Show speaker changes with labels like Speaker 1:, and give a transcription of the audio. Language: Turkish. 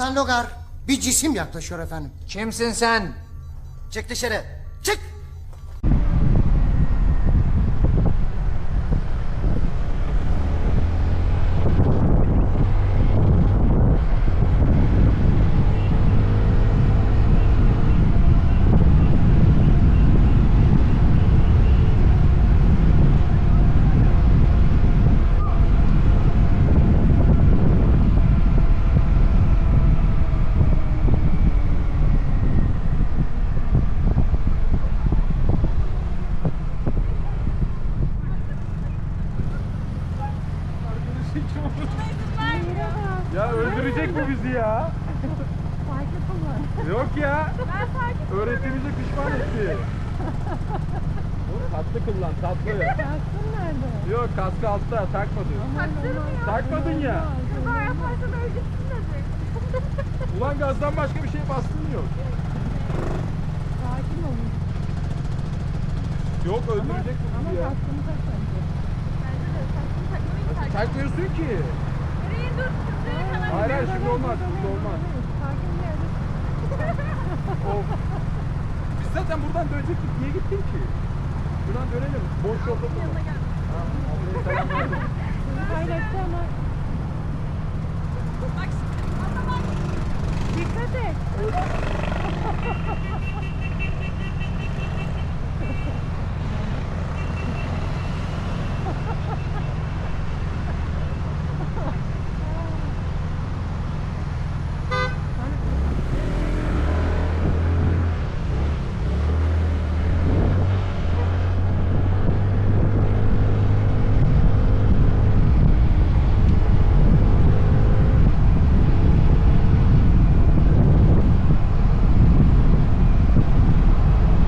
Speaker 1: Bayan Logar, bir cisim yaklaşıyor efendim.
Speaker 2: Kimsin sen?
Speaker 1: Çık dışarı, çık!
Speaker 3: Ya öldürecek bu bizi ya.
Speaker 4: Farklı kullan.
Speaker 3: Yok ya.
Speaker 4: Ben farklı
Speaker 3: Öğrettiğimize pişman etti. Oğlum tatlı kullan, tatlı.
Speaker 4: Kaskın nerede?
Speaker 3: Yok, kaskı altta, takmadın.
Speaker 4: Taktırmıyor.
Speaker 3: Takmadın ya.
Speaker 4: Kaza yaparsan öleceksin dedi.
Speaker 3: Ulan gazdan başka bir şey bastın yok.
Speaker 4: Sakin olun.
Speaker 3: Yok öldürecek bu
Speaker 4: Ama
Speaker 3: bizi ya.
Speaker 4: kaskını tak bence.
Speaker 5: Bence de saçını takmayı tercih.
Speaker 3: Takmıyorsun ki.
Speaker 5: Nereye dur? Şuraya kadar.
Speaker 3: Hayır hayır şimdi olmaz, şimdi olmaz.
Speaker 4: Sakin bir yerde.
Speaker 3: Of. Biz zaten buradan dönecektik. Niye gittin ki? Buradan dönelim. Boş yolda durma.
Speaker 5: Yanına gel.
Speaker 3: Ha, ablaya selam verdim.
Speaker 4: Sizi paylaştı ama
Speaker 5: Bak şimdi. Bak.
Speaker 4: dikkat et.